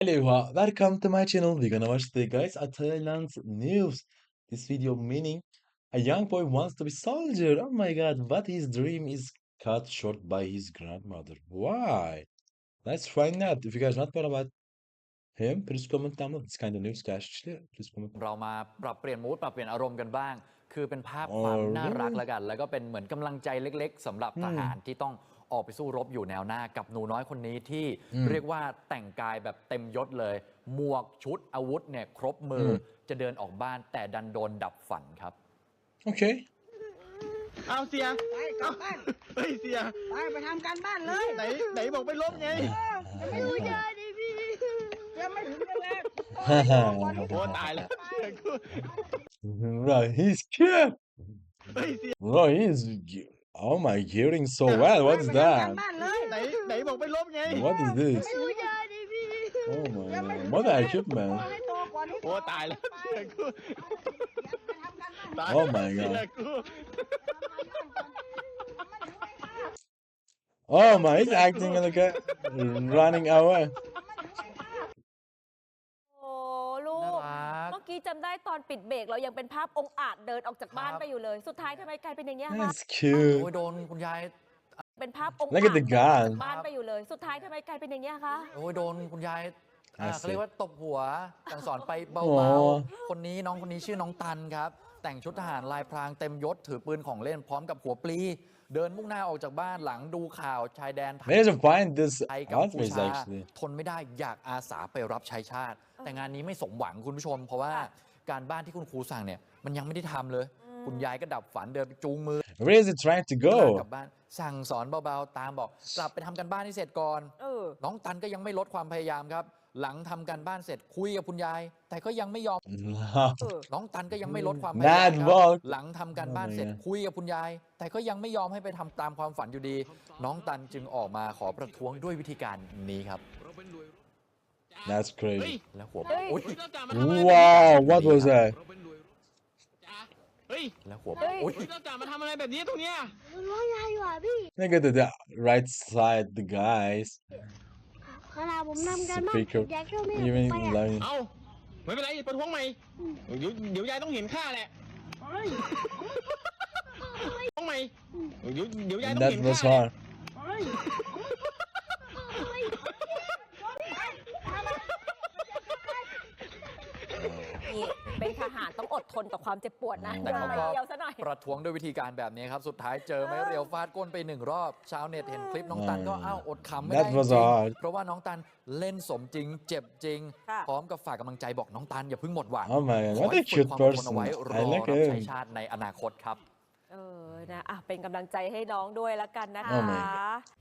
Hello, welcome to my channel. We're gonna watch the guys at Thailand news. This video meaning a young boy wants to be soldier. Oh my god, but his dream is cut short by his grandmother. Why? Let's find out. If you guys not know about him, please comment down below. This kind of news, guys. Please comment. เรามาปรับเปลี่ยนมูดปรับเปลี่ยนอารมณ์กันบ้าง คือเป็นภาพความ Oh น่ารัก really? แล้วกัน แล้วก็เป็นเหมือนกำลังใจเล็กๆสำหรับทหารที่ต้องออกไปสู้รบอยู่แนวหน้ากับหนูน้อยคนนี้ที่เรียกว่าแต่งกายแบบเต็มยศเลย หมวกชุดอาวุธเนี่ยครบมือจะเดินออกบ้านแต่ดันโดนดับฝันครับ Okay. เอาเสียไปกลับบ้านเฮ้ยเสียไปทำการบ้านเลยไหนบอกไปลบไงจะไม่รู้จะดิพี่ยังไม่ถึงเวลาโอ้ตายแล้วเสียกู Bro, he's cute. เฮ้ยเสีย Bro, oh my, hearing so well. What's ไปทำการ that? บ้านเลยไหนบอกไปลบไง What is this? ไม่รู้จะดิพี่ Oh ยังไม่ my, ถึง what the equipment? ให้โตก่อนให้โตโอ้ตายแล้วเสียกูไปทำการบ้านตาย Oh my เสีย god. กู Oh my, he's acting like a running away. โอ้ลูน่าก รักเมื่อกี้จำได้ตอนปิดเบรกเรายังเป็นภาพองค์อาจเดินออกจากบ้านครับไปอยู่เลย สุดท้ายทำไมกลายเป็นอย่างนี้ยคะ That's โอ้ย cute. โดนคุณยายเป็นภาพองค์ Look อา at จ the เดินออก gun. จากบ้านไปอยู่เลย สุดท้ายทำไมกลายเป็นอย่างนี้ยคะโอ้ยโดนคุณยาย I เขาเรีย see. กว่าตบหัวสั่งสอนไปเบาโอ้ๆ คนนี้น้องคนนี้ชื่อน้องตันครับ แต่งชุดทหารลายพรางเต็มยศถือปืนของเล่นพร้อมกับหัวปลี เดินมุ่งหน้าออกจากบ้านหลังดูข่าวชายแดนไทย Where did you find this ไทยกัมพู outfit ชา actually? ทนไม่ได้อยากอาสาไปรับใช้ชาติ แต่งานนี้ไม่สมหวังคุณผู้ชม เพราะว่าการบ้านที่คุณครูสั่งเนี่ยมันยังไม่ได้ทำเลย คุณยายก็ดับฝันเดินไปจูงมือ Where is he trying to กลั go? บบ้านสั่งสอนเบาๆ ตามบอกกลับไปทำกันบ้านให้เสร็จก่อนเออน้องตันก็ยังไม่ลดความพยายามครับ หลังทำการบ้านเสร็จคุยกับคุณยาย แต่ก็ยังไม่ยอมเออน้องตันก็ยังไม่ลดความพยายาม Bad ครับ walk. หลังทำการบ้านเสร็จ Oh my god. คุยกับคุณยาย แต่ก็ยังไม่ยอมให้ไปทำตามความฝันอยู่ดี น้องตันจึงออกมาขอประท้วงด้วยวิธีการนี้ครับ That's เฮ้ย crazy. และหัวเฮ้ยโอ๊ยเราจะมาทำอะไร Wow, what was that? จ้าเฮ้ยและหัวเฮ้ยโอ๊ยเราจะมาทำอะไรแบบนี้ตรงเนี้ยมันร้องไห้ว่ะพี่ Look at the right side, the guys. ขณะผมทำการบ้าน Speaker. อยากช่วยแม่ผม Even ไปอ่ะ like เอาไม่เป็นไรประท้วงใหม่เดี๋ยวยายต้องเห็นค่าแหละเฮ้ยประท้วงใหม่เดี๋ยวยายต้อง that เห็น was ค่าแหละ hard. เฮ้ยเฮ้ยนี่เป็นทหารต้องอดทนต่อความเจ็บปวดนะแต่เขาก็เดียวซะหน่อยประท้วงด้วยวิธีการแบบนี้ครับ สุดท้ายเจอไม้เรียวฟาดก้นไปหนึ่งรอบ ชาวเน็ตเห็นคลิปน้องตันก็อ้าวอดขำไม่ได้ That จ was ริง hard. ๆเพราะว่าน้องตันเล่นสมจริง เจ็บจริงค่ะพร้อมกับฝากกำลังใจบอกน้องตันอย่าเพิ่งหมดหวัง Oh my god, ขอ what ให้ a ฝึก cute ความอดทนเอา person. ไว้รอ I like รับใช้ him. ชาติในอนาคตครับเออนะอ่ะเป็นกำลังใจให้น้องด้วยละกันนะคะ Oh my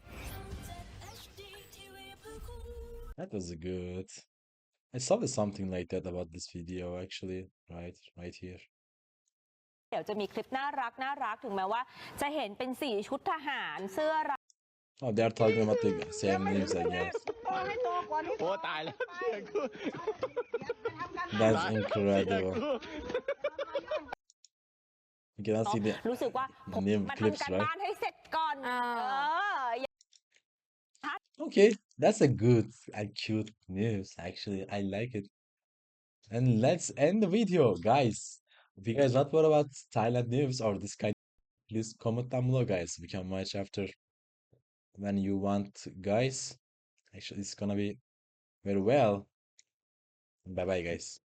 That was good. I saw something like that about this video actually. Right here. เดี๋ยวจะมีคลิปน่ารักถึงแม้ว่า จะเห็นเป็นสีชุดทหารเสื้อ Oh, they're talking about the same names, I guess. โตให้โตก่อนให้โตโอ้ตายแล้วเสียกูไปทำการบ้าน That's เสีย incredible. กู You cannot see the รู้สึกว่าผม name มา clips, ทำการ right? บ้านให้เสร็จก่อน Okay, that's a good and cute news. Actually, I like it. And let's end the video, guys. If you guys want more about Thailand news or this kind, please comment down below, guys. We can watch after when you want, guys. Actually, it's gonna be very well. Bye bye, guys.